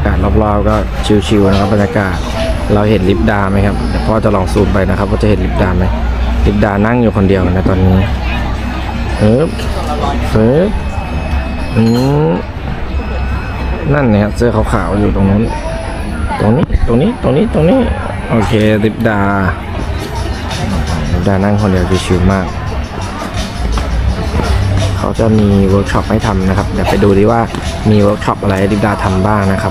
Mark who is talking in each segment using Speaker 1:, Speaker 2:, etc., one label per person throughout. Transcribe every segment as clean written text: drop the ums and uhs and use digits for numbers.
Speaker 1: ากาศรอบๆก็ชิวๆนะครับบรรยากาศเราเห็นลิปดาไหมครับเดี๋ยวพ่อจะลองซูมไปนะครับว่าจะเห็นลิปดาไหมลิปดานั่งอยู่คนเดียวนะตอนนี้เฟิบนั่นเนี่ยเสื้อขาวๆอยู่ตรงนั้นตรงนี้โอเคลิปดานั่งคนเดียวชิวๆมากเขาจะมีเวิร์กช็อปให้ทำนะครับเดี๋ยวไปดูดิว่ามีเวิร์กช็อปอะไรลิปดาทำบ้างนะครับ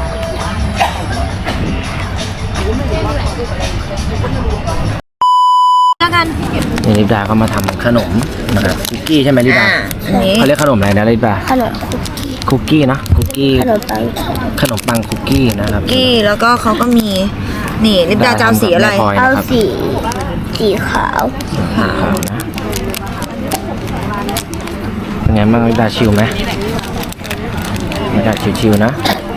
Speaker 2: แล้วกัน
Speaker 1: นี่ลิปดาก็มาทำขนมนะครับคุกกี้ใช่ไหมลิปดาเขาเรียกขนมอะไรนะลิปดา
Speaker 3: ขนม
Speaker 1: คุกกี้นะคุกกี้ขนมปังคุกกี้นะครับ
Speaker 2: คุกกี้แล้วก็เขาก็มีนี่ลิปดาจะเอาสีอะไร
Speaker 3: เอาสีขาว
Speaker 1: นะเป็นไงบ้างลิปดาชิลไหมลิปดาชิลนะ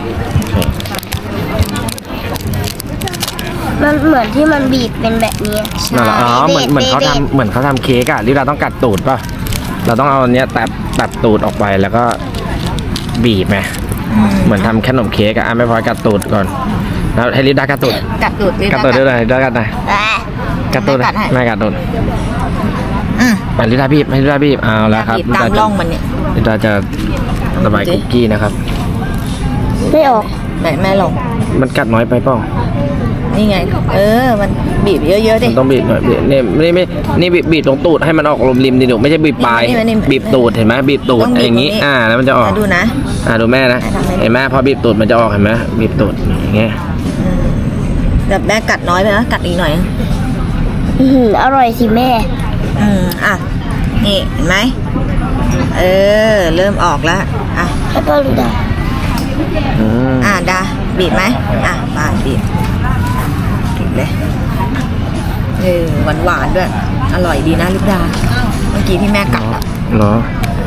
Speaker 3: มันเหมือนที่มันบีบเป็นแบบนี้
Speaker 1: อ๋อเหมือนเขาทำเค้กอะลิปดาต้องกัดตูดป่ะเราต้องเอาอันเนี้ยตัดตูดออกไปแล้วก็บีบไหมเหมือนทำขนมเค้กอะไม่พอกัดตูดก่อนแล้วให้ลิปดากัดตูดด้วยหน่อยกัดตูดไม่กัดตูดไปลิปดาบีบให้ลิปดาบีบเอาแล้วครับ
Speaker 2: ตามร่องมันเนี่ย
Speaker 1: ลิปดาจะระบายคุกกี้นะครับ
Speaker 3: ไม่ออก
Speaker 2: แม่ลง
Speaker 1: มันกัดน้อยไปเปล่า
Speaker 2: นี่ไงมันบีบเยอะๆดิ
Speaker 1: ต้องบีบหน่อยนี่บีบตรงตูดให้มันออกลมริมดิหนูไม่ใช่บีบปลายบีบตูดเห็นไหมบีบตูดอย่างนี้แล้วมันจะออก
Speaker 2: ดูนะ
Speaker 1: ดูแม่นะเห็นไหมพอบีบตูดมันจะออกเห็นไหมบีบตูดอย่างเงี้ย
Speaker 2: แบบแม่กัดน้อยไปนะกัดอีกหน่อย
Speaker 3: อร่อยสิแม่
Speaker 2: นี่เห็นไหมเริ่มออกแล้ว
Speaker 3: แล้วก็ดูดา
Speaker 2: ดาบีบไหมมาบีบเลยหวานด้วยอร่อยดีนะลิปดาเมื่อกี้ที่แม่กัด
Speaker 1: เหรอ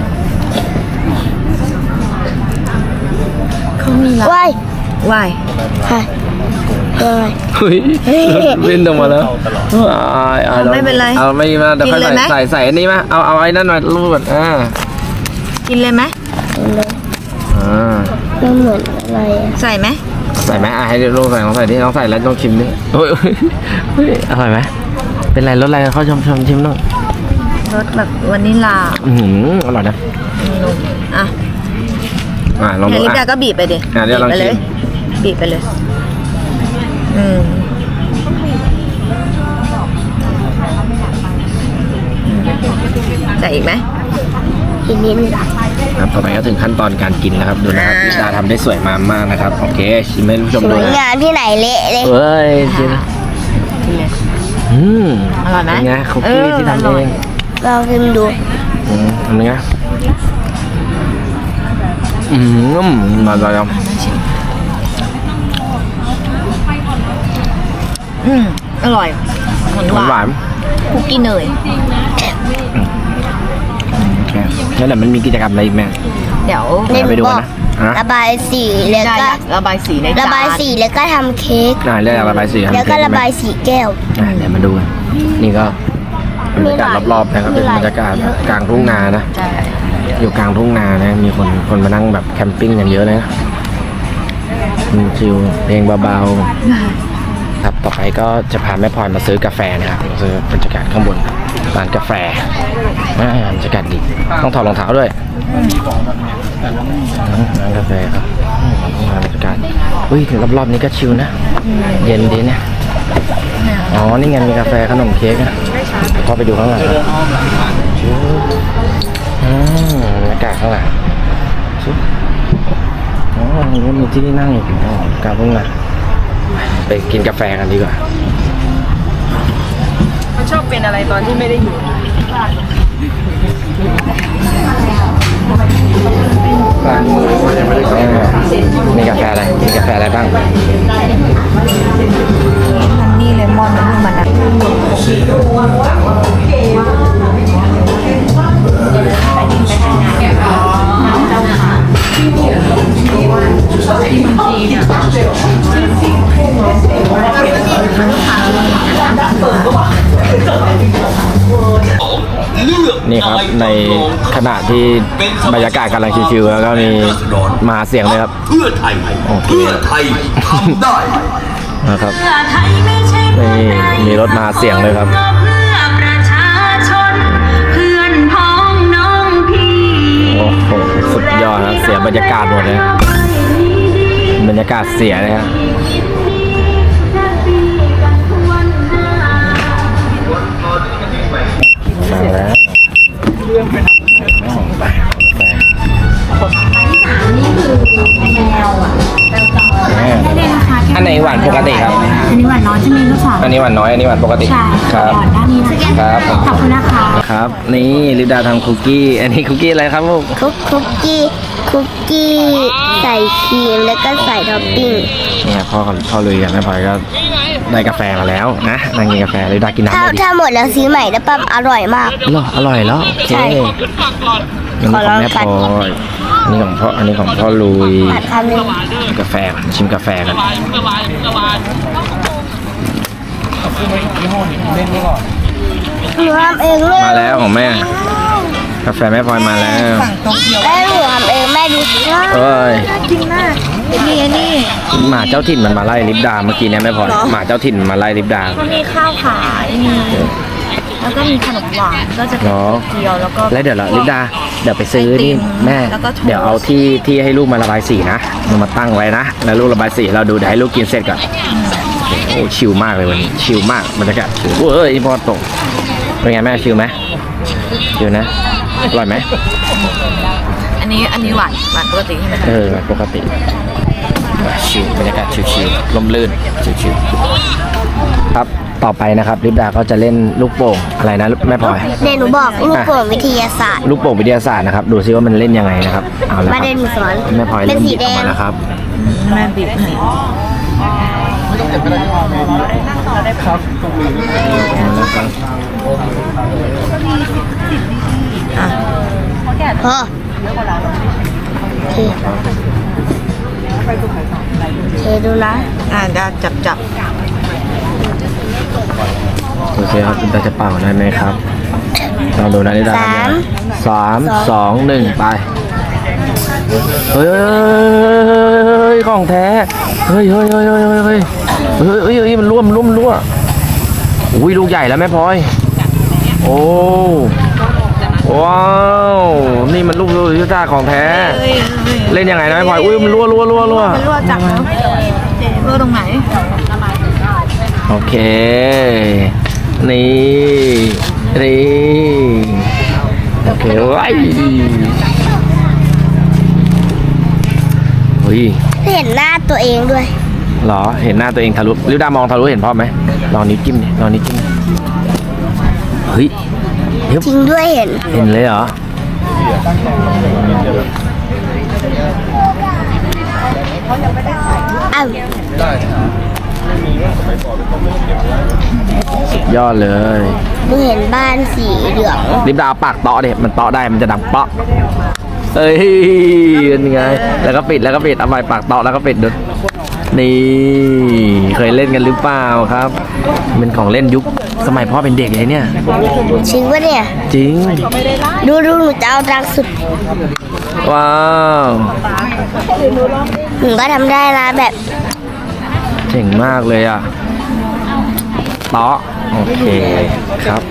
Speaker 2: เขามีละวาย
Speaker 1: เฮ้ยวิ่งออกมาแล้ว
Speaker 2: ไม่เป็นไร
Speaker 1: เอาไม่มาเดี๋ยวค่อยใส่อันนี้มาเอาไอ้นั่นหน่อยรูด
Speaker 2: กินเลยไหม
Speaker 3: มันเหมือนอะไร
Speaker 2: ใส่ไหม
Speaker 1: ให้ลูกใส่ลองใส่ดิลองใส่แล้วต้องชิมดิโอ้ยอร่อยไหมเป็นไรรสอะไรเขาชมชิมหน่อย
Speaker 2: รสแบบวานิลลา
Speaker 1: อร่อยนะลองดู
Speaker 2: ลิปดาก็บีบไปดิ
Speaker 1: บีบไปเลย
Speaker 2: ใส่อีกไหม
Speaker 3: อีกนิดนึง
Speaker 1: ครับต่อไปก็ถึงขั้นตอนการกินนะครับดูนะครับลิปดาทำได้สวยมากนะครับโอเคชิมให้ผู้ชมดู
Speaker 3: นะงานที่ไหนเละเลย
Speaker 1: เฮ้ยชิม
Speaker 2: อร่อยไหม
Speaker 1: เป็นไงคุกกี้ที่ทำเอง
Speaker 3: เราชิมดู
Speaker 1: อันนี้มาลอง
Speaker 2: อร่อยหวานคุกกี้เนย
Speaker 1: แล้วเดี๋ยวมันมีกิจกรรมอะไรอีกไหม
Speaker 2: เดี๋ยว
Speaker 1: ไปดูกันนะ
Speaker 3: ระบายสีแล้วก็
Speaker 2: ระบายสีในจาน
Speaker 3: ระบายสีแล้วก็ทำเค้ก
Speaker 1: เรื่องระบายสี
Speaker 3: แล้วก็ระบายสีแก้ว
Speaker 1: เดี๋ยวมาดูกันนี่ก็บรรยากาศรอบๆนะครับเป็นบรรยากาศกลางทุ่งนานะอยู่กลางทุ่งนานะมีคนมานั่งแบบแคมปิ้งกันเยอะเลยนะชิลเพลงเบาๆครับต่อไปก็จะพาแม่พลอยมาซื้อกาแฟนะครับซื้อบรรยากาศข้างบนร้านกาแฟบรรยากาศดีต้องถอดรองเท้าด้วยร้านกาแฟครับบรรยากาศรอบๆนี้ก็ชิลนะเย็นดีเนี่ยนี่ไงมีกาแฟขนมเค้กนะก็ไปดูข้างหลังบรรยากาศข้างหลังมีที่นั่งอีกกาเพิ่งมาไปกินกาแฟกันดีกว่า
Speaker 2: มันชอบเป็นอะไรตอนที่ไม่ได้อยู่
Speaker 1: มีกาแฟอะไรบ้าง
Speaker 2: ฮันนี่เลมอนมัน
Speaker 1: นี่ครับในขณะที่บรรยากาศกำลังชิวๆแล้วก็มีมาเสียงเลยครับ
Speaker 4: เพื่อไทย
Speaker 1: โอเค
Speaker 4: เพื่อไทยทำได้
Speaker 1: นะครับนี่มีรถมาเสียงเลยครับ
Speaker 5: เพื่อประชาชนเพื่อนพ้องน้องพี่
Speaker 1: โอ้โหสุดยอดครับเสียบรรยากาศหมดเลยบรรยากาศเสียเลยครับมาแล้วอันไหนหวานปกติครับ
Speaker 5: อันนี้หวานน้อยจะมีลูกสาว
Speaker 1: อันนี้หวานน้อยอันนี้หวานปกติ
Speaker 5: ใช่
Speaker 1: ครับ
Speaker 5: หวานด้านนี้นะครับ ขอบคุณนะคะ
Speaker 1: ครับนี่ลิปดาทำคุกกี้อันนี้คุกกี้อะไรครับลูก
Speaker 3: คุกกี้ใส่ครีมแล้วก็ใส่ท็อปปิ้ง
Speaker 1: เนี่ยพ่อลุยกับแม่พลอยก็ได้กาแฟมาแล้วนะนั่งกินกาแฟลิปดากินน้ำ
Speaker 3: ถ้า
Speaker 1: เลยดิ
Speaker 3: ถ้าหมดแล้วซื้อใหม่แล้วปั๊มอร่อยมาก
Speaker 1: เหรออร่อยแล้วโอเค
Speaker 3: ใช่
Speaker 1: อันนี้ของแม่พลอยอันนี้ของพ่อลุย
Speaker 3: ผัดคำหนึง
Speaker 1: กาแฟก่อนชิมกาแฟกัน
Speaker 3: หนูทำเองเลย
Speaker 1: มาแล้วของแม่ กาแฟแม่พลอยมาแล้ว
Speaker 3: แม่หนูทำเองแม่ดูสิ
Speaker 1: เอ้ย
Speaker 2: จริงมากนี่
Speaker 1: หมาเจ้าถิ่นมันมาไล่ลิปดาเมื่อกี้เนี่ยแม่พลอยหมาเจ้าถิ่นมาไล่ลิปดา
Speaker 2: ก็มีข้าวขายมีแล้วก็มีขนมหวานก็จะเป็น
Speaker 1: เนาะ
Speaker 2: เกี๊ยวแล้วก็
Speaker 1: แล้วเดี๋ยวเราลิปดาเดี๋ยวไปซื้อนี่
Speaker 2: ไอติม
Speaker 1: แม่
Speaker 2: แล้วก็โทสต์
Speaker 1: เดี๋ยวเอาที่ให้ลูกมาระบายสีนะมันมาตั้งไว้นะแล้วลูกระบายสีเราดูเดี๋ยวให้ลูกกินเสร็จก่อนโอ้ชิลมากเลยวันนี้ชิลมากบรรยากาศชิลเอ้ยพอตกเป็นไงแม่ชิลไหมชิลนะอร่อยไหม
Speaker 2: อันนี้หวานปกติใช่ไหมคะ
Speaker 1: ปกติชิลบรรยากาศชิลๆลมลื่นชิลๆครับต่อไปนะครับลิปดาก็จะเล่นลูกโป่งอะไรนะแม่พลอย
Speaker 3: เดี๋ยวหนูบอกลูกโป่งวิทยาศาสตร์
Speaker 1: ลูกโป่งวิทยาศาสตร์นะครับดูซิว่ามันเล่นยังไงนะครับเอาละค
Speaker 3: มา
Speaker 1: รับ
Speaker 3: เดินหนูสอน
Speaker 1: แม่พลอย
Speaker 3: เป็
Speaker 1: เริ่
Speaker 3: น
Speaker 1: ม
Speaker 3: สี
Speaker 1: หยิบ
Speaker 3: แด
Speaker 1: ออก
Speaker 3: ง
Speaker 1: มาแล้วครับ
Speaker 2: แม่บีบให้
Speaker 3: พอโอเคดูนะ
Speaker 2: ได้จับ
Speaker 1: โอเคครับลิปดาจะเป่าได้ไหมครับลองดูนะลิปดาทำยังไง3 2 1ไปเฮ้ยของแท้เฮ้ยมันร่วมอุ้ยลูกใหญ่แล้วแม่พลอยโอ้ว้าวนี่มันลูกยุทธาของแท้เล่นยังไงนะแม่พลอยอุ้ยมันรั่ว
Speaker 2: มันรั่วจับแล้วรั่วตรงไหน
Speaker 1: โอเคนี่โอเคว้ายเฮ้ย
Speaker 3: เห็นหน้าตัวเองด้วย
Speaker 1: เหรอเห็นหน้าตัวเองทะลุลิวดามองทะลุเห็นพ่อไหมลองนิ้วจิ้มดิลองนิ้วจิ้มเฮ้ย
Speaker 3: จริงด้วยเห็น
Speaker 1: เห็นเลยเหรอ
Speaker 3: อ้าวย
Speaker 1: อดเลย
Speaker 3: หนูเห็นบ้านสีเหลือง
Speaker 1: ลิปดาปากเตาะเด็มันเตาะได้มันจะดังเปาะเอ้ยเป็นไงแล้วก็ปิดเอาไปปากเตาะแล้วก็ปิดดูนี่เคยเล่นกันหรือเปล่าครับเป็นของเล่นยุคสมัยพ่อเป็นเด็กเลยเนี่ย
Speaker 3: จริงปะเนี่ย
Speaker 1: จริง
Speaker 3: ดูหนูจะเอาดังสุด
Speaker 1: ว้าว
Speaker 3: หนูก็ทำได้นะแบบ
Speaker 1: เจ๋งมากเลยอ่ะเตาะโอเคครับ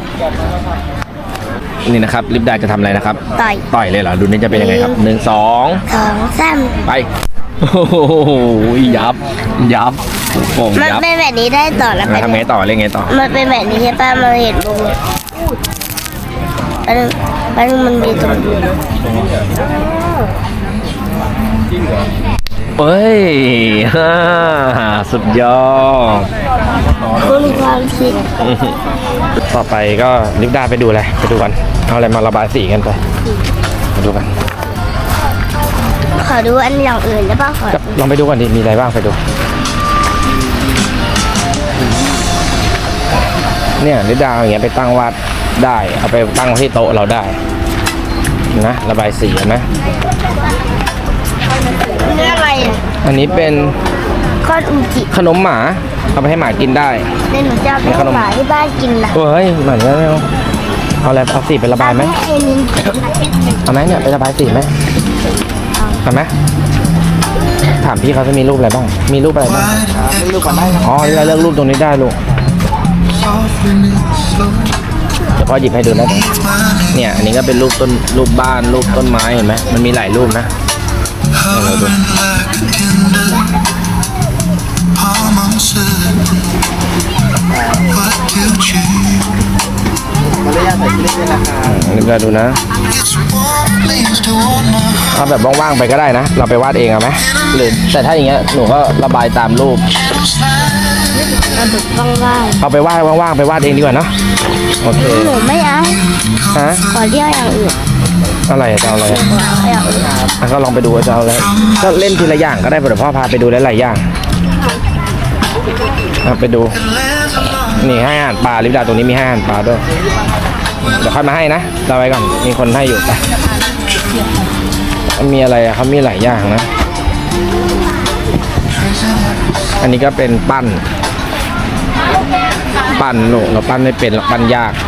Speaker 1: นี่นะครับลิปดาจะทำอะไรนะครับ
Speaker 3: ต่อย
Speaker 1: เลยเหรอดูนี่จะเป็นยังไงครับ1 2
Speaker 3: 2 3
Speaker 1: ไปโอ้โหยับโป่ง
Speaker 3: มัน
Speaker 1: ยับ
Speaker 3: เป็นแบบนี้ได้ต่อแล้ว
Speaker 1: แล้วทำไงต่อเล่นไงต่อ
Speaker 3: มันเป็นแบบนี้ใช่ป่ะมันเห็นบุ้งมันมีตรงนี้
Speaker 1: เฮ้ยสุดยอด
Speaker 3: คุณความคิด
Speaker 1: ต่อไปก็ลิปดาไปดูอะไรไปดูกันเอาอะไรมาระบายสีกันไปดูกัน
Speaker 3: ขอดูอันอย่างอื่นได้ป่ะขอ
Speaker 1: ลองไปดูก่อนดิมีอะไรบ้างไปดูเนี่ยลิปดาอย่างเงี้ยไปตั้งวาดได้เอาไปตั้งไว้ที่โต๊ะเราได้นะระบายสีนะ
Speaker 3: นี่อะไรอ่ะ
Speaker 1: อันนี้เป็น
Speaker 3: ก้อนอุจิ
Speaker 1: ขนมหมาเอาไปให้หมากินได้
Speaker 3: เดี๋ยวหนูจะเอาไปให้หมาที่บ้านกินนะ
Speaker 1: เฮ้ยเหมือนกันแล้วเอาอะไรเอาสีไประบายไหมเอาไหมเนี่ยไประบายสีไหมเอาไหมถามพี่เขาจะมีรูปอะไรบ้างมีรูปอะไรบ้างรูปก่อนได้อ๋อเราเลือกรูปตรงนี้ได้ลูกเดี๋ยวพ่อหยิบให้ดูนะเนี่ยอันนี้ก็เป็นรูปต้นรูปบ้านรูปต้นไม้เห็นไหมมันมีหลายรูปนะเราดูนี่ก็ดูนะเอาแบบว่างๆไปก็ได้นะเราไปวาดเองเอาไหมหรือแต่ถ้าอย่างเงี้ยหนูก็ระบายตามรูป
Speaker 3: ว่าง
Speaker 1: เอาไปวาดว่างๆไปวาดเองดีกว่าเนาะโอเค
Speaker 3: ๆหนูไม่เอา
Speaker 1: ฮะ
Speaker 3: ขอเรียกอย่างอื่น
Speaker 1: อะไรจะเอาอะไร
Speaker 3: อย่างอื่น
Speaker 1: อ่ะก็ลองไปดูว่าจะเอาอะไรก็เล่นทีละอย่างก็ได้เดี๋ยวพ่อพาไปดูหลายๆอย่างไปดูนี่ให้อาหารปลาลิปดาตรงนี้มีให้อาหารปลาด้วยเดี๋ยวค่อยมาให้นะเราไว้ก่อนมีคนให้อยู่ไปมีอะไรอะเขามีหลายอย่างนะอันนี้ก็เป็นปั้นลูกเราปั้นไม่เป็นหรอกปั้นยาก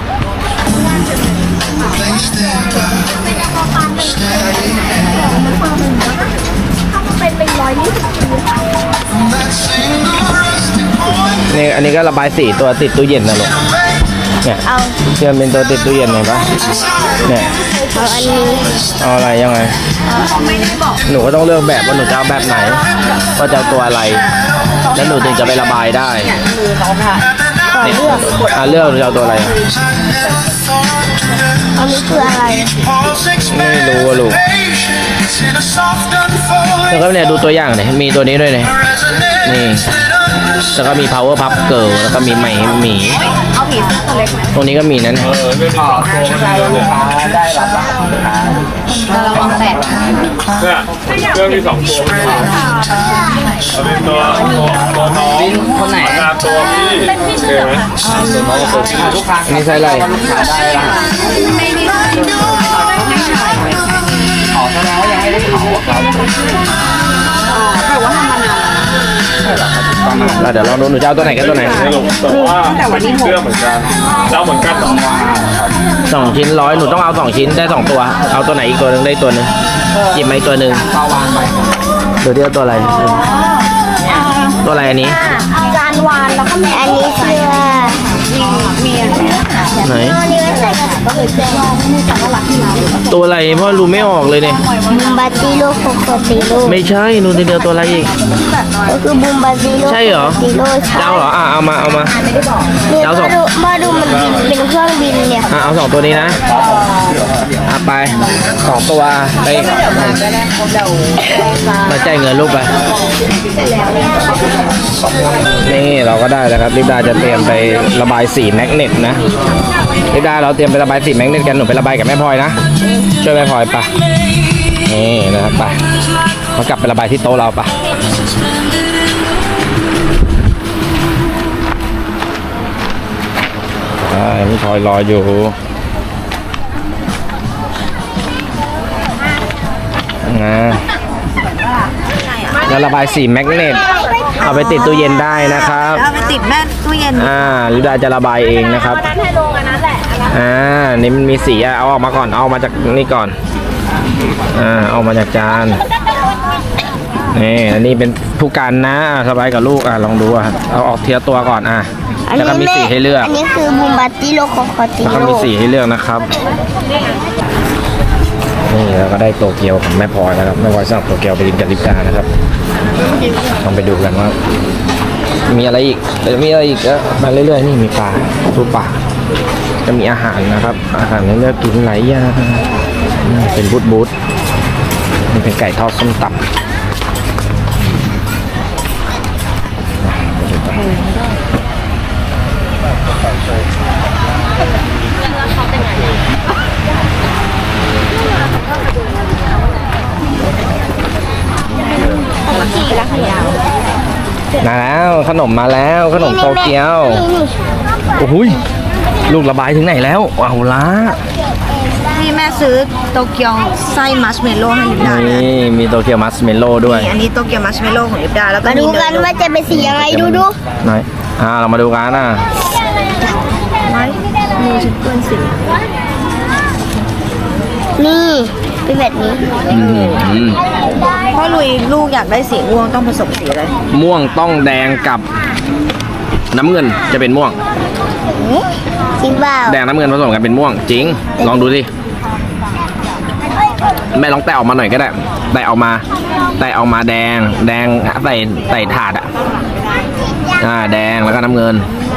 Speaker 1: นี่อันนี้ก็ระบายสีตัวติดตู้เย็นนะลูกเนี่ยเชื่อมเป็นตัวติดตู้เย็นเห็นปะเนี่ย
Speaker 3: เอาอันนี้
Speaker 1: เอาอะไรยังไงหนูก็ต้องเลือกแบบว่าหนูจะเอาแบบไหนว่าจะเอาตัวอะไรแล้วหนูถึงจะไประบายได้เนี่ยเลือกหนูจะเอาตัวอะไร
Speaker 3: อันนี้คืออะไร
Speaker 1: ไม่รู้อะลูกแล้วก็เนี่ยดูตัวอย่างเนี่ยมีตัวนี้ด้วยเนี่ยนี่แล้วก็มี power puff girl แล้วก็มีหมี
Speaker 2: เอาผีตัวเล็กไหม
Speaker 1: ตรงนี้ก็มีนั่น
Speaker 2: ระวังแตก
Speaker 4: เนี่ยเครื่องมี2 ตัวเอาเป็นตัวน้องคนไหนตัวพี่เป็นพี่ใช่ไหมตัวน้องกับตัวพี่ลูกค้า
Speaker 1: อันนี้ใช่อะไร
Speaker 4: ขอแสดงว่ายังไม่ได้ขอครับ
Speaker 1: เดี๋ยวลองดูหนูจะเอาตัวไหนกับตัวไหน
Speaker 4: ไม่รู้แต่ว่าเป็นเครื่องเหมือนกันเราเหมือนกันหรอ
Speaker 1: 2 ชิ้น100หนูต้องเอา2 ชิ้นได้2ตัวเอาตัวไหนอีกตัวหนึ่งได้ตัวหนึ่งหยิบมาอีกตัวหนึ่งดูที่เอาตัวอะไรตัวอะไรอันนี้
Speaker 3: การวานแล้วก็มีอันนี้คือ
Speaker 1: ไหน
Speaker 3: อันนี้ไว้ใส่กระสุนก็เลยแจ้ง
Speaker 1: ตัวอะไรพ่อรู้ไม่ออกเลยเนี่ย
Speaker 3: บูมบาติโลโคโคติโล
Speaker 1: ไม่ใช่หนูจะเดียวตัวอะไรอีก
Speaker 3: ก็คือบูมบาติโล
Speaker 1: ใช่เหรอ
Speaker 3: ติโลใช่
Speaker 1: เจ้าเหรอเอามา
Speaker 3: เนี่ย
Speaker 1: เอาสอง
Speaker 3: มาดูมันบินเป็นเครื่องบินเนี่ย
Speaker 1: เอา2 ตัวนี้นะไป2 ตัวไปมาจ่ายเงินลูกไปนี่เราก็ได้แล้วครับลิปดาจะเตรียมไประบายสีแมกเนตนะลิปดาเราเตรียมไประบายสีแมกเนตกันหนูไประบายกับแม่พลอยนะช่วยแม่พลอยปะนี่นะครับไปเรากลับไประบายที่โต๊ะเราปะแม่พลอยรออยู่แล้วระบายสีแมกเนตเอาไปติดตู้เย็นได้นะครับ
Speaker 2: เอาไปติดแม่ตู้เย็น
Speaker 1: ลิดาจะระบายเองนะครับนี่มันมีสีเอาออกมาก่อนเอามาจากนี่ก่อนเอามาจากจานนี่อันนี้เป็นผู้กันนะระบายกับลูกลองดูเอาออกเทียตัวก่อนแล้วก็มีสีให้เลือก
Speaker 3: อันนี้คือบูมบาติโลโคโคติ
Speaker 1: แล้วก็
Speaker 3: โล
Speaker 1: มีสีให้เลือกนะครับนี่เราก็ได้โตเกียวของแม่พลอยแล้วครับแม่พลอยสั่งโตเกียวไปกินกับลิปดานะครับลองไปดูกันว่ามีอะไรอีกมีอะไรอีกก็มาเรื่อยๆนี่มีปลาทูปลาจะมีอาหารนะครับอาหารให้เลือกกินหลายอย่างเป็นบูธนี่เป็นไก่ทอดส้มตำมาแล้วขนมมาแล้วขนมโตเกียวโอ้โหลูกระบายถึงไหนแล้วเอาละ
Speaker 2: ที่แม่ซื้อโตเกียวไส้มัชเมลโล่ให้ลิปดานะ
Speaker 1: นี่มีโตเกียวมัสเมลโล่ด้วย
Speaker 2: นี่อันนี้โตเกียวมัชเมลโล่ของลิปดาแล้วก็
Speaker 3: มาดูกันว่าจะเป็นสียังไงดู
Speaker 1: ไหนเรามาดูกัน
Speaker 2: ไม้มือฉันเปื้อนสี
Speaker 3: นี่เป็นแบบนี้
Speaker 2: พ่อลุยลูกอยากได้สีม่วงต้องผสมสีอะไร
Speaker 1: ม่วงต้องแดงกับน้ำเงินจะเป็นม่วง
Speaker 3: จริงเปล่า
Speaker 1: แดงน้ำเงินผสมกันเป็นม่วงจริงลองดูสิแม่ลองแตะออกมาหน่อยก็ได้แตะออกมาแดงใส่ถาดแดงแล้วก็น้ำเงิน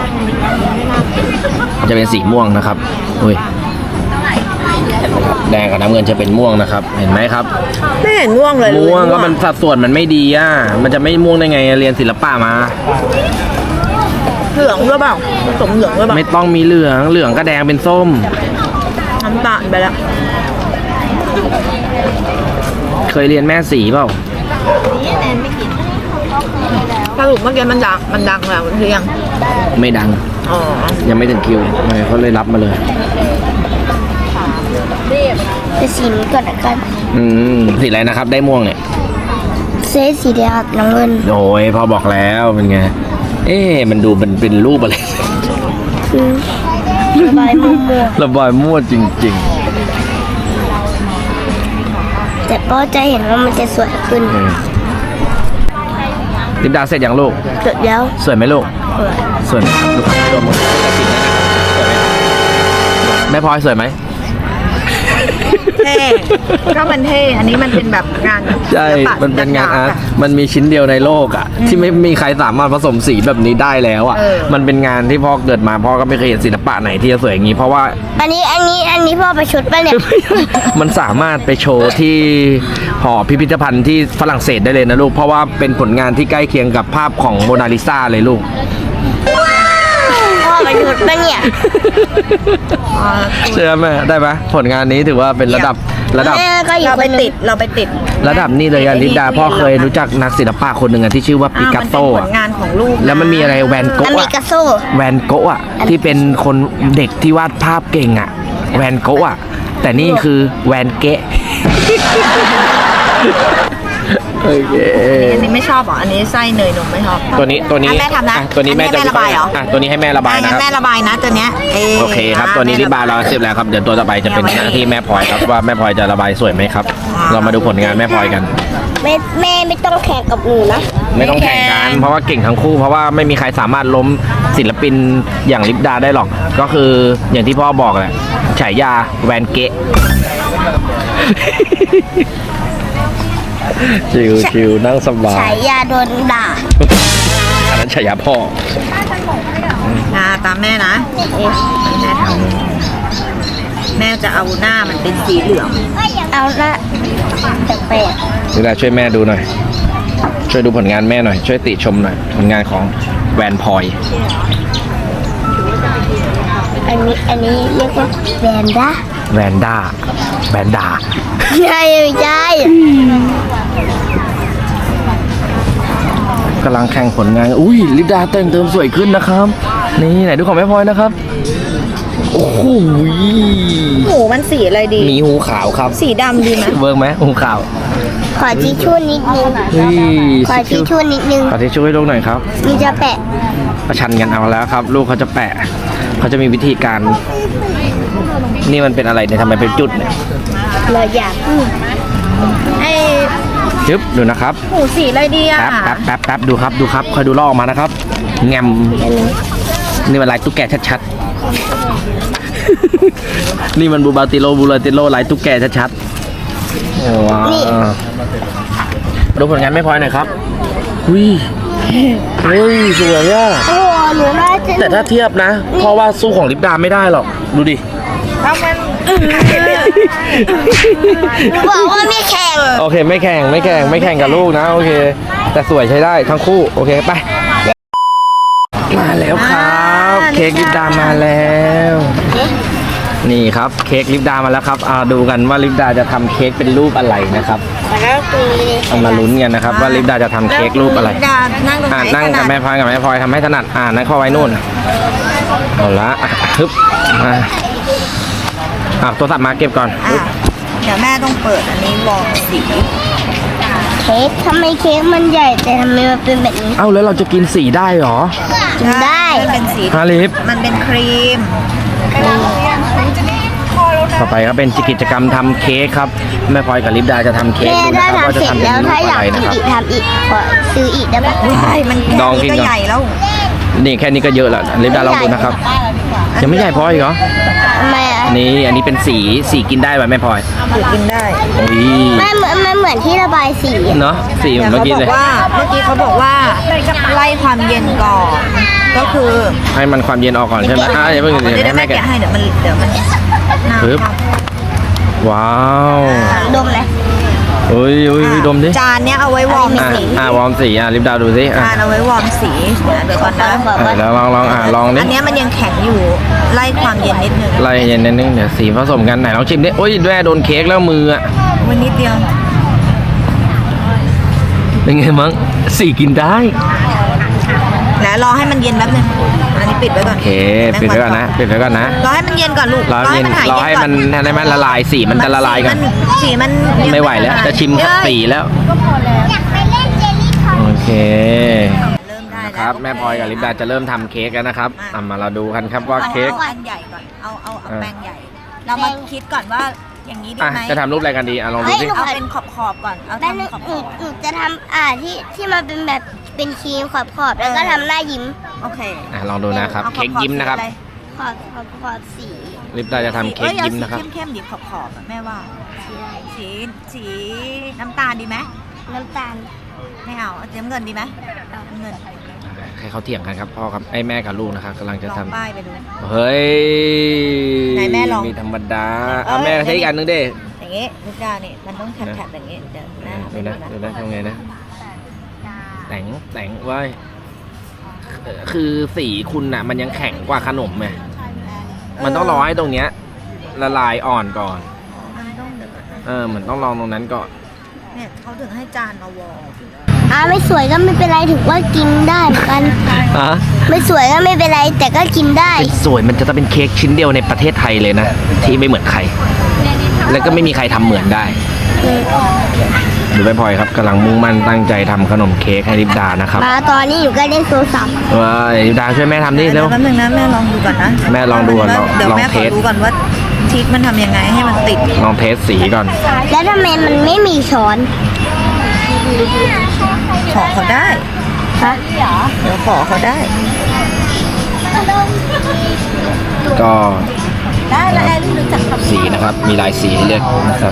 Speaker 1: จะเป็นสีม่วงนะครับอุ้ยแดงกับน้ำเงินจะเป็นม่วงนะครับ เห็นไหมครับ
Speaker 2: ไม่เห็นม่วงเลย
Speaker 1: ม่วงก็มันสัดส่วนมันไม่ดีมันจะไม่ม่วงได้ไงเรียนศิลปะมา
Speaker 2: เหลืองหรือเปล่าผสมเหลืองหรือเปล่า
Speaker 1: ไม่ต้องมีเหลืองก็แดงเป็นส้ม
Speaker 2: น้ำตาลไปแล้ว
Speaker 1: เคยเรียนแม่สีเปล่า
Speaker 2: สรุปเมื่อกี้มันดังแล้วหรือยัง
Speaker 1: ไม่ดัง
Speaker 2: อ๋อ
Speaker 1: ยังไม่ถึงคิวเขาเลยรับมาเลย
Speaker 3: ไปสีนี้ก่อนละกัน
Speaker 1: สีอะไรนะครับ ได้ม่วงเนี่ย
Speaker 3: เซตสีแดงกับน้ำเงิน
Speaker 1: โอ้ยพอบอกแล้วเป็นไง มันดูเป็นรูปอะไร
Speaker 3: ระบายมุม
Speaker 1: ระบายมั่วจริง
Speaker 3: แต่ก็จะเห็นว่ามันจะสวยขึ้น
Speaker 1: ๆลิปดาเสร็จยังลูก
Speaker 3: เสร็จแล้ว
Speaker 1: สวยไหมลูก สวยไหมครับลูกตัวหมดสวยไหมแม่พลอยสวยไหม
Speaker 2: เท่ก็มันเท่อันนี้มันเป็นแบบงาน
Speaker 1: ใช่
Speaker 2: ศิลปะ
Speaker 1: มันเป็นงานอาร์ต
Speaker 2: อะ
Speaker 1: มันมีชิ้นเดียวในโลกที่ไม่มีใครสามารถผสมสีแบบนี้ได้แล้วมันเป็นงานที่พ่อเกิดมาพ่อก็ไม่เคยเห็นศิลปะไหนที่จะสวยอย่างนี้เพราะว่า
Speaker 3: อันนี้พ่อไปชุดป่ะเนี่ย
Speaker 1: มันสามารถไปโชว์ที่หอพิพิธภัณฑ์ที่ฝรั่งเศสได้เลยนะลูก เพราะว่าเป็นผลงานที่ใกล้เคียงกับภาพของโมนาลิซาเลยลูก
Speaker 3: พ่อไปชุดป่ะเนี่ย
Speaker 1: เชื่อไหมได้ไหมผลงานนี้ถือว่าเป็นระดับ
Speaker 3: แม่ก็อยู่
Speaker 2: เรา
Speaker 3: ค
Speaker 2: ไป
Speaker 3: นหนึ
Speaker 2: ติ
Speaker 3: ง
Speaker 2: ดเราไปติด
Speaker 1: ระดับนี้เลยลิปดาพ่อเคยรู้จักนักศิลปะคนหนึ่งที่ชื่อว่าปิกัสโซ
Speaker 2: มันเป็นผลงานของลูก
Speaker 1: แล้วมันมีอะไรแวน
Speaker 3: อ
Speaker 1: โกะ
Speaker 3: เมริกาโซ่
Speaker 1: แวนโกะที่เป็นคนเด็กที่วาดภาพเก่งแวนโกะแต่นี่คือแวนเกะโอเค
Speaker 2: อันนี้ไม่ชอบเหรออันนี้ไส้เนยนมไม่ชอบ
Speaker 1: ตัวนี้
Speaker 2: อ่ะแม่ทำนะ
Speaker 1: ตัวนี้แม่จะ
Speaker 2: อัระบายเหรอ
Speaker 1: ตัวนี้ให้แม่ระบาย
Speaker 2: งั้
Speaker 1: นะ
Speaker 2: น
Speaker 1: ค
Speaker 2: แม่
Speaker 1: รับ
Speaker 2: ระบายนะตัวเนี้ย
Speaker 1: โอเคครับตัวนี้ริบบาร์เราเสร็จแล้วครับเดี๋ยวตัวต่อไปจะเป็นหน้าที่แม่พลอยครับว่าแม่พลอยจะระบายสวยไหมครับ เรามาดูผลงานแม่พลอยกัน
Speaker 3: แม่ไม่ต้องแข่งกับหนูนะ
Speaker 1: ไม่ต้องแข่งกันเพราะว่าเก่งทั้งคู่เพราะว่าไม่มีใครสามารถล้มศิลปินอย่างลิปดาได้หรอกก็คืออย่างที่พ่อบอกแหละฉายาแวนเกะ ชิวนั่งสบาย
Speaker 3: ฉายาโดนด่า
Speaker 1: อันนั้นฉายาพ่อ
Speaker 2: ตามแม่นะแม่ทำแม่จะเอาหน้ามันเป็นสีเหลือง
Speaker 3: เอาละแปลก
Speaker 1: ลิปดาช่วยแม่ดูหน่อยช่วยดูผลงานแม่หน่อยช่วยติชมหน่อยผลงานของแวนพลอย
Speaker 3: ๆอันนี้เรียกว่าแบนด้า
Speaker 1: แวนด้า
Speaker 3: ใช่ไม่ใช่
Speaker 1: กำลังแข่งผลงานอุ้ยลิปดาแต่งเติมสวยขึ้นนะครับนี่ไหนดูของแม่พลอยนะครับโอ้โห
Speaker 2: หูมันสีอะไรดี
Speaker 1: มีหูขาวครับ
Speaker 2: สีดำดีไหม
Speaker 1: เวิร์กไหมหูขาว
Speaker 3: ขอทิชชู่นิดนึง
Speaker 1: เฮ้ย
Speaker 3: ขอทิชชู่นิดนึง
Speaker 1: ขอทิชชู่ให้ลูกหน่อยครับ
Speaker 3: นี่จะแปะ
Speaker 1: ประชันกันเอาแล้วครับ ลูกเขาจะแปะเขาจะมีวิธีการ นี่มันเป็นอะไรเนี่ยทำไมเป็นจุดเนี่ย
Speaker 3: เราอยาก
Speaker 2: ไอ้
Speaker 1: จึ๊บดูนะครับ
Speaker 2: หูสีอะไรดีอ่ะ
Speaker 1: แป๊บดูครับคอยดูลอกออกมานะครับแงมนี่มันลายตุ๊กแกชัดๆ นี่มันบูลาติโลลายตุ๊กแกชัดๆว้าวดูผลงานไม่พอหน่อยครับอุ้ยเฮ้ยสวยอ่ะ
Speaker 3: โอ้หนูน่าจะ
Speaker 1: แต่ถ้าเทียบนะเพราะว่าสู้ของลิปดาไม่ได้หรอกดูดิ
Speaker 2: ถ้ามัน
Speaker 3: หนูบอกว่าไม่แข่ง
Speaker 1: โอเคไม่แข่งกับลูกนะโอเค แต่สวยใช้ได้ทั้งคู่โอเคไปมาแล้วครับเค้กลิปดามาแล้ว นี่ครับเค้กลิปดามาแล้วครับดูกันว่าลิปดาจะทำเค้กเป็นรูปอะไรนะครับ
Speaker 3: แล้วคือ
Speaker 1: เอามาลุ้นกันนะครับว่าลิปดาจะทำเค้กรูปอะไร
Speaker 2: นั่งตรงไหน
Speaker 1: นั่งกับแม่พลอยทำให้ถนัดนั่งเข้าไว้นู่นเอาละฮึบโทรศัพท์มาเก็บก่อน
Speaker 2: เดี๋ยวแม่ต้องเปิดอันนี้วอลสี
Speaker 3: เค้กทำไมเค้กมันใหญ่แต่ทำไมมันเป็นแบบนี้
Speaker 1: เอ้าแล้วเราจะกินสีได้เหรอ
Speaker 3: กินได้
Speaker 2: มันเป็นสี
Speaker 1: ฮาลิฟ
Speaker 2: มันเป็นครีม
Speaker 1: ต่อไปก็เป็นกิจกรรมทำเค้กครับแม่พลอยกับลิปดาจะทำเค้ก
Speaker 3: แม่
Speaker 1: ดูนะ
Speaker 3: ถ้า
Speaker 1: ครับว่า
Speaker 3: ทำ
Speaker 1: จะ
Speaker 3: เสร็จ
Speaker 1: ทำเป็น
Speaker 3: แล้ว
Speaker 1: รูป
Speaker 3: ถ้าอ
Speaker 1: อะ
Speaker 3: ยาก
Speaker 1: ไรนะ
Speaker 3: กิน
Speaker 1: ครับ
Speaker 3: อีกทำอีกขอซื้ออีกได้ปะ
Speaker 2: ใช่มัน
Speaker 1: ลองกินก่อน
Speaker 2: ก็ใหญ่แล้ว
Speaker 1: นี่แค่นี้ก็เยอะแล้วลิปดาลองดูนะครับยังไม่ใหญ่พออีกเหรอ
Speaker 3: ทำไมอ่ะ
Speaker 1: อันนี้เป็นสีกินได้ไหมแม่พลอย
Speaker 2: ถือกินได้
Speaker 1: โอ้ย
Speaker 3: มันเหมือนที่ระบายสี
Speaker 1: เนาะสีเหมือน
Speaker 2: แต่
Speaker 1: เมื่อกี้เลย
Speaker 2: เมื่อกี้เขาบอกว่าไล่ความเย็นก่อน ก็คือ
Speaker 1: ให้มันความเย็นออกก่อนใช่ไหมอย่าเพิ่ง
Speaker 2: เดี๋ยว
Speaker 1: ให้
Speaker 2: แม่
Speaker 1: แม่
Speaker 2: แกะ
Speaker 1: แกะ
Speaker 2: ให้เดี๋ยวมันน้ำ
Speaker 1: ปึ๊บ ว้าว
Speaker 3: ดมเลย
Speaker 1: เฮ้ยดมดิ
Speaker 2: จานเนี้ยเอาไว้วอร์มสี
Speaker 1: วอร์มสีลิปดาดูสิ
Speaker 2: จานเอาไว้วอร์มสีเดี๋ยวก่อนนะ
Speaker 1: แล้วลองลองดิ
Speaker 2: อันเนี้ยมันยังแข็งอยู่ไล่ความเย็นนิดนึง
Speaker 1: ไล่เย็นนิดนึงเดี๋ยวสีผสมกันไหนลองชิมดิโอ้ยแม่โดนเค้กแล้วมืออ่ะ
Speaker 2: วันนิดเดียว
Speaker 1: เป็นไงมั้งสีกินได้
Speaker 2: แล้วรอให้มันเย็นแป๊บนึงอันนี้ปิดไว้ก่อน
Speaker 1: โอเคปิดไว้ก่อนนะ
Speaker 2: รอให้มันเย็นก่อนลูก
Speaker 1: รอให้มันละลายสีมันจะละลายกัน
Speaker 2: สีมัน
Speaker 1: ไม่ไหวแล้วจะชิมสีแล้ว
Speaker 3: อยากไปเล่นเจลลี่คอ
Speaker 1: โอเค
Speaker 2: เริ่มได้
Speaker 1: ครับแม่พลอยกับลิปดาจะเริ่มทำเค้กแล้วนะครับมาเราดูกันครับว่าเค้ก
Speaker 2: เอาอันใหญ่ก่อนเอาแป้งใหญ่ เรามาคิดก่อนว่าอย่างนี้ดีไหม
Speaker 1: จะทำรูปอะไรกันดีลองดูสิ
Speaker 2: เอาเป็นขอบก่อนเอา
Speaker 3: แม่
Speaker 2: ทำขอบ
Speaker 3: หนูจะทำที่มันเป็นแบบเป็นครีมขอบแล้วก็ทำหน้ายิ้ม
Speaker 2: โอเค
Speaker 1: ลองดูนะครับเค้กยิ้มนะครับ
Speaker 3: ขอบสี
Speaker 1: ลิปดาจะทำเค้กยิ้มนะครับ
Speaker 2: เข้มๆดิขอบแม่ว่าสีน้ำตาลดีไหม
Speaker 3: น้ำตาล
Speaker 2: ไม่เอาสีน้ำเงินดีไหมน้ำเงิน
Speaker 1: ให้เขาเถียงกันครับพ่อครับไอ้แม่กับลูกนะครับกำลังจะ
Speaker 2: ลอง
Speaker 1: ทำ
Speaker 2: ป้ายไปดู
Speaker 1: เฮ้ย
Speaker 2: ไหนแม่ลอง
Speaker 1: มีธรรมดาแม่ใช้อีกอันนึงดิ
Speaker 2: อย่างงี้ลูกดาวนี่มันต้องแถบอย่างงี้เดี๋ยวแม่
Speaker 1: ดูนะทำไงนะแต่งไว้คือสีคุณน่ะมันยังแข็งกว่าขนมไงมันต้องรอให้ตรงเนี้ยละลายอ่อนก่อน
Speaker 2: มันต้องเดี๋ยว
Speaker 1: เหมือนต้องลองตรงนั้นก่อน
Speaker 2: เนี่ยเขาถึงให้จานมาวอล
Speaker 3: ไม่สวยก็ไม่เป็นไรถือว่ากินได้เหมือนกัน ไม่สวยก็ไม่เป็นไรแต่ก็กินได้
Speaker 1: สวยมันจะต้องเป็นเค้กชิ้นเดียวในประเทศไทยเลยนะที่ไม่เหมือนใคร แล้วก็ไม่มีใครทำเหมือนได้ดูแม่พลอยครับกำลังมุ่งมั่นตั้งใจทำขนมเค้กให้ลิปดานะครับ
Speaker 3: มาตอนนี้อยู่ก็เล่นโทรศัพท์
Speaker 1: ว้าลิปดาช่วยแม่ทำดิเร็ว
Speaker 2: แป๊บนึงนะแม่ลองดูก่อนนะ
Speaker 1: แม่ลองดูก่อน
Speaker 2: เดี๋ยว
Speaker 1: ลอง
Speaker 2: แม่ข
Speaker 1: เท
Speaker 2: อ
Speaker 1: ส
Speaker 2: ดูก่อนว่าทิศมันทำยังไงให้มันติด
Speaker 1: ลองเทสสีก่อน
Speaker 3: แล้วทำไมมันไม่มีช้อน
Speaker 2: ขอเขาได้
Speaker 3: ฮะ
Speaker 2: เดี๋ยวขอเขาได้
Speaker 1: ก็
Speaker 2: ได้แล้วแอรี่รู้จักคำ
Speaker 1: สีนะครับมีหลายสีให้เลือกนะครับ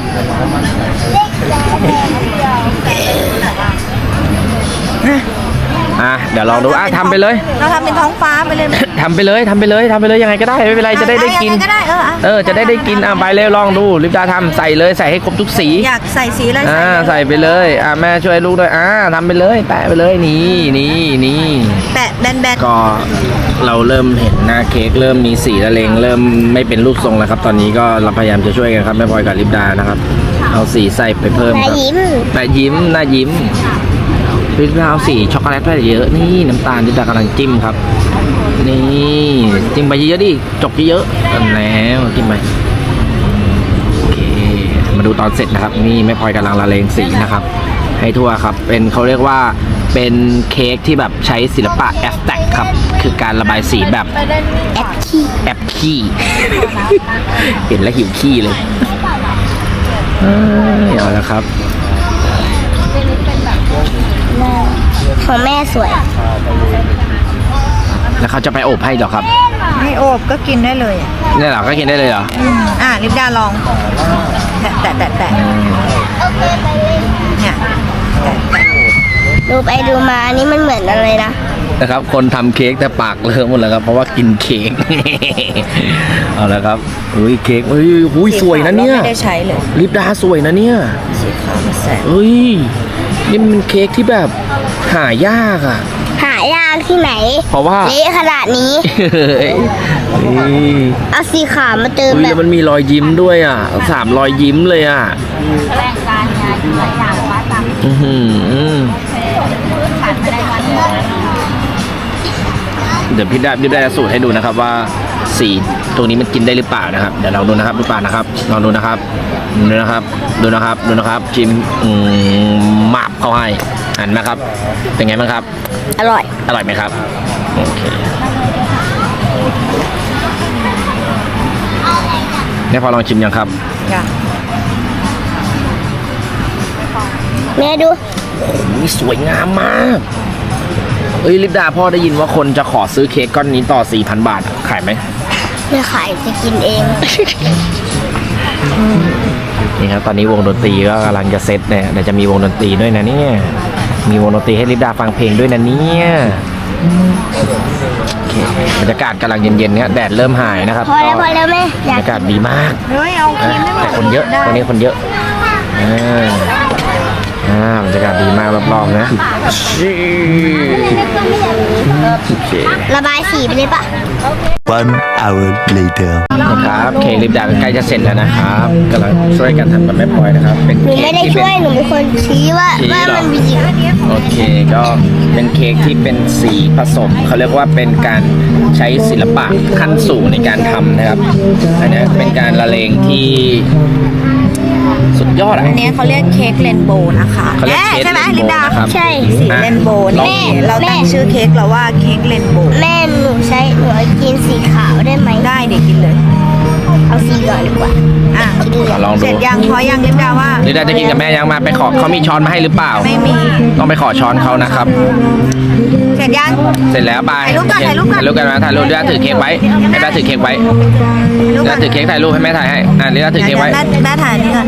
Speaker 1: เดี๋ยวลองดูทำไปเลย
Speaker 2: เราทำเป็นท้องฟ้าไปเลยไหม
Speaker 1: ทำไปเลยยังไงก็ได้ไม่เป็นไรจะได้กิน
Speaker 2: ยังงก็ได้
Speaker 1: จะได้กินไปเลยลองดูลิปดาทำใส่เลยใส่ให้ครบทุกสี
Speaker 2: อยากใส่สีอะไร
Speaker 1: ใส่ไปเลยแม่ช่วยลูกด้วยทำไปเลยแปะไปเลยนี่
Speaker 2: แปะแบน
Speaker 1: ก็เราเริ่มเห็นหน้าเค้กเริ่มมีสีละเลงเริ่มไม่เป็นรูปทรงแล้วครับ ตอนนี้ก็เราพยายามจะช่วยกันครับแม่พลอยกับลิปดานะครับเอาสีใส่ไปเพิ่ม
Speaker 3: หน้า
Speaker 1: ครับ
Speaker 3: ยิ้ม
Speaker 1: แปะยิ้มหน้ายิ้มลิปดาเอาสีช็อกโกแลตไปเยอะนี่น้ำตาลลิปดากำลังจิ้มครับนี่จิ้มไปเยอะๆดิจกเยอะๆแล้วจิ้มไปโอเคมาดูตอนเสร็จนะครับนี่แม่พลอยกำลังละเลงสีนะครับให้ทั่วครับเป็นเขาเรียกว่าเป็นเค้กที่แบบใช้ศิลปะแอบสแต็กครับคือการระบายสีแบบแอบขี้ เห็นแล้วหิวขี้เลยเอาละครับ
Speaker 3: ของแม่สวย
Speaker 1: แล้วเขาจะไปอบให้เหรอครับ
Speaker 2: ๆไม่โอบก็กินได้เลย
Speaker 1: เนี่ยเหรอก็กินได้เลยเหรอ
Speaker 2: ลิปดาลองแตะเนี่ย
Speaker 3: ดูไปดูมาอันนี้มันเหมือนอะไรนะ
Speaker 1: นะครับคนทำเค้กแต่ปากเลอะหมดแล้วครับเพราะว่ากินเค้ก เอาละครับอุ้ยเค้กอุ้ยสวยนะเนี่ย
Speaker 2: ไม่ได้ใช้เลย
Speaker 1: ลิปดาสวยนะเนี่ย
Speaker 2: สีขาวมาแสบ
Speaker 1: เฮ้ยนี่มันเค้กที่แบบหายากอ่ะ
Speaker 3: หายากที่ไหน
Speaker 1: เพราะว่า
Speaker 3: เละขนาดนี้
Speaker 1: เฮ้ย
Speaker 3: เอาสีขาวมาเติม
Speaker 1: อุ้ย
Speaker 3: แบ
Speaker 1: แล้ว
Speaker 3: บ
Speaker 1: มันมีรอยยิ้มด้วยอ่ะ3 รอยยิ้มเลยอ่ะ
Speaker 2: แรงการงานหลายอย่างว่าตาม
Speaker 1: เดี๋ยวพี่ได้สูตรให้ดูนะครับว่าสีตรงนี้มันกินได้หรือเปล่านะครับเดี๋ยวลองดูนะครับดูป่านะครับลองดูนะครับดูนะครับจิ้มหมาบเข้าให้หันไหมครับเป็นไงบ้างครับ
Speaker 3: อร่อย
Speaker 1: อร่อยไหมครับโอเคเนี่ยพอลองชิมยังครับ
Speaker 2: จ้ะ
Speaker 3: แม่ดู
Speaker 1: นี่สวยงามมากเอ้ยลิปดาพ่อได้ยินว่าคนจะขอซื้อเค้กก้อนนี้ต่อ 4,000 บาทขายไหม
Speaker 3: ไม่ขายจะกินเอง
Speaker 1: นี่ครับตอนนี้วงดนตรีก็กำลังจะเซตเนี่ยเดี๋ยวจะมีวงดนตรีด้วยนะเนี่ยมีวงดนตรีให้ลิปดาฟังเพลงด้วยนะเนี่ยโอเคบรรยากาศกำลังเย็นๆเนี่ยแดดเริ่มหายนะครับ
Speaker 3: พอแล้วพอแล้วแม่
Speaker 1: บรรยากาศดีมาก
Speaker 2: เฮ้ยเอาครีมได้ไหม
Speaker 1: แต่คนเยอะวันนี้คนเยอะบรรยากาศดีมากรอบๆนะโอเค
Speaker 3: ระบายสีไปเลยปะ
Speaker 6: One hour later.
Speaker 1: นะครับเค้กลิปดาใกล้จะเสร็จแล้วนะครับกำลังช่วยกันทำกับแม่พลอยนะครับเป็น
Speaker 3: หนู
Speaker 1: เค้
Speaker 3: ไม่
Speaker 1: ก
Speaker 3: ได้
Speaker 1: ที่
Speaker 3: ช่วยหนูเป็นคนชี้ว่า
Speaker 1: ชี้เหรอ
Speaker 3: มันมีสี
Speaker 1: โอเคก็เป็นเค้กที่เป็นสีผสมเขาเรียกว่าเป็นการใช้ศิลปะขั้นสูงในการทำนะครับอันนี้เป็นการละเลงที่สุดยอดอ่ะ
Speaker 2: อันนี้เขาเรียกเค้กเรนโบว์นะคะ
Speaker 1: เขาเรียกเค้ก
Speaker 2: ใช่ไหม
Speaker 1: เรนโบว์
Speaker 2: ลิปดา
Speaker 1: นะครับ
Speaker 3: ใช่
Speaker 2: สีเรนโบว์
Speaker 1: ลอง
Speaker 2: นี่
Speaker 1: ดู
Speaker 2: เราตั้งชื่อเค้กเราว่าเค้กเรนโบว์
Speaker 3: แม่หนูใช้หนูกินสีขาวได้ไหม
Speaker 2: ได้เด็กกินเลย
Speaker 3: เอาสีเหลืองดีกว่า
Speaker 2: อ่ะ
Speaker 3: กินเหลือง
Speaker 1: ลอง
Speaker 2: เส
Speaker 1: ดู
Speaker 2: ร็จยังพอยังลิปดาว่า
Speaker 1: ลิปดาจะกินกับแม่ยังมาไปขอเขามีช้อนมาให้หรือเปล่า
Speaker 2: ไม่มี
Speaker 1: ต้องไปขอช้อนเขานะครับ
Speaker 2: เสร็จยัง
Speaker 1: เสร็จแล้วบาย
Speaker 2: ถ่ายรูปก่อนถ่ายรูปก่อน
Speaker 1: ถ่ายรูปกันนะถ่ายรูปลิปดาถือเค้กไว้ให้ลิปดาถือเค้กไว้ลิปดาถือเค้กถ่ายรูปให้แม่ถ่ายให้ลิปดาถือเค้กไว้
Speaker 2: แม่ถ่ายนี่ก่อน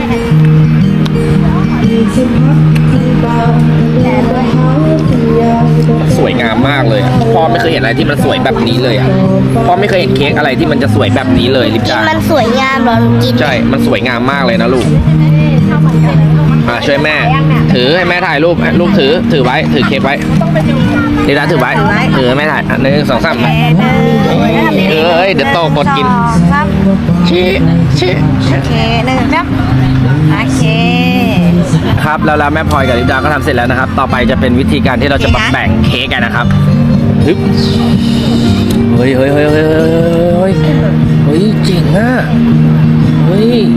Speaker 1: สวยงามมากเลยอะพ่อไม่เคยเห็นอะไรที่มันสวยแบบนี้เลยอ่ะพ่อไม่เคยเห็นเค้กอะไรที่มันจะสวยแบบนี้เลยลิป
Speaker 3: กิน
Speaker 1: ดา
Speaker 3: มันสวยงามเหรอหนูกิน
Speaker 1: ใช่ มันสวยงามมากเลยนะลูกช่วยแม่ ถือให้แม่ถ่ายรูปลูกถือไว้ถือเค้กไว้ลิปดาถือไว้ถือให้แม่ถ่าย1 2 3เอ้ยเดี๋ยวโตกดกิน
Speaker 2: ครับ
Speaker 1: ชี้
Speaker 2: โอเคหนึ่งครับโอเค
Speaker 1: ครับแล้วแม่พลอยกับลิปดาก็ทำเสร็จแล้วนะครับ ต่อไปจะเป็นวิธีการที่เราจะมาแบ่งเค้กกันนะครับฮึบเฮ้ยเจ๋งอ่ะเฮ้ย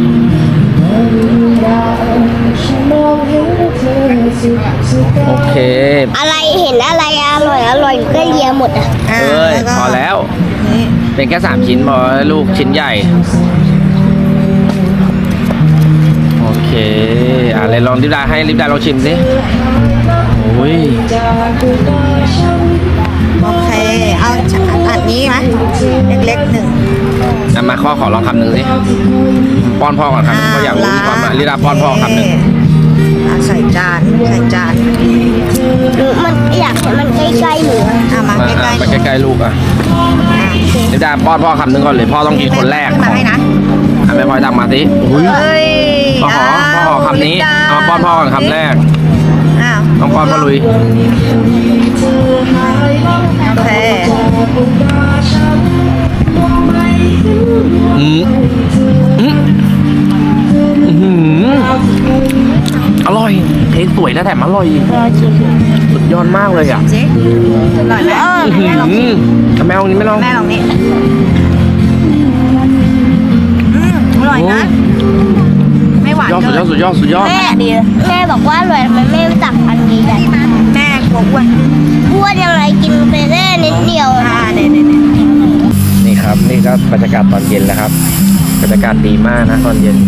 Speaker 1: โอเค
Speaker 3: อะไรเห็นอะไรอร่อยอยู่ก็เลียหมดอ่ะ
Speaker 1: เอ้ย
Speaker 2: ก็
Speaker 1: พอแล้ว
Speaker 2: นี่
Speaker 1: เป็นแค่3 ชิ้นพอลูกชิ้นใหญ่ โอเคเลยลองลิปดาให้ลิปดาลองชิมสิโอ้ย
Speaker 2: โอเคเอาอันนี้ไหมเล็กๆหนึ่ง
Speaker 1: มาขอลองคำหนึ่งสิป้อนพ่อก่อนคำหนึ่งเพราะอยากรู้ความลิปดาป้อนพ่อคำหนึ่ง
Speaker 2: ใส่จาน
Speaker 3: หนูมันอยากให้มันใกล้ๆหนูอะ
Speaker 2: มา
Speaker 1: มา
Speaker 2: ใกล้
Speaker 1: ไปใกล้ๆลูกอ่ะลิปดาป้อนพ่อคำหนึ่งก่อนเลยพ่อต้องกินคนแรก
Speaker 2: มาให้นะ
Speaker 1: แม่พลอยตักมาสิ
Speaker 2: เฮ้ย
Speaker 1: พ่อขอคำนี้เอามาป้อนพ่อก่อนคำแรก
Speaker 2: อ้าว
Speaker 1: ต้องป้อนพ่อลุย
Speaker 2: โอเค
Speaker 1: อร่อยเค้กสวยและแถมอร่อยสุดยอดมากเลยอ่ะ
Speaker 2: สิอร่อยไหมแม่ลองชิม
Speaker 1: แมวนี้ไม่ลอง
Speaker 2: แม่ลองนี่อร่อยนะ ไม่หวาน
Speaker 1: สุดยอด
Speaker 2: เกิน
Speaker 1: สุดยอด
Speaker 3: แม่แม่บอกว่าอร่อยทำไมแม่ไม่ตักอันนี้กัน
Speaker 2: แม่กลัวอ้วน
Speaker 3: พูดยังไงกินไปแค่นิดเดียว
Speaker 2: เนี่ย
Speaker 1: นี่ครับนี่ก็บรรยากาศตอนเย็นแล้วครับบรรยากาศดีมากนะตอนเย็น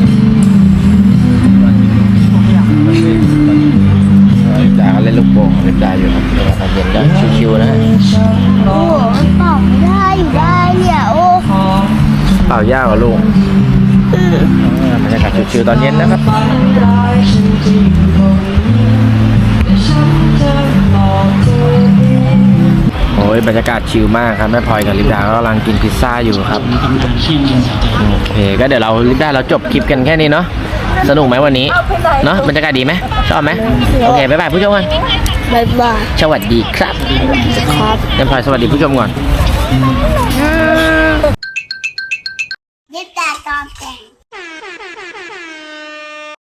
Speaker 1: ลิปดาก็เล่นลูกโป่งลิปดาอยู่ครับตอนเย็นก็ชิวๆนะ
Speaker 3: โอ้มันเป่าไม่ได้อยู่ได้เนี่ยโอ้
Speaker 1: เปล่ายากกว่าลูกบรรยากาศชิวๆตอนเย็นนะครับโอ้ยบรรยากาศชิลมากครับแม่พลอยกับลิปดาก็กำลังกินพิซซ่าอยู่ครับโอเคก็เดี๋ยวเราลิปดาเราจบคลิปกันแค่นี้เนาะสนุกไหมวันนี้เนาะบรรยากาศดีไหมชอบไหมโอเคบ๊ายบายผู้ชมกัน
Speaker 3: บ๊ายบาย
Speaker 1: สวัสดีครับ
Speaker 3: ครับ
Speaker 1: แม่พลอยสวัสดีผู้ชมก่อน
Speaker 2: อืม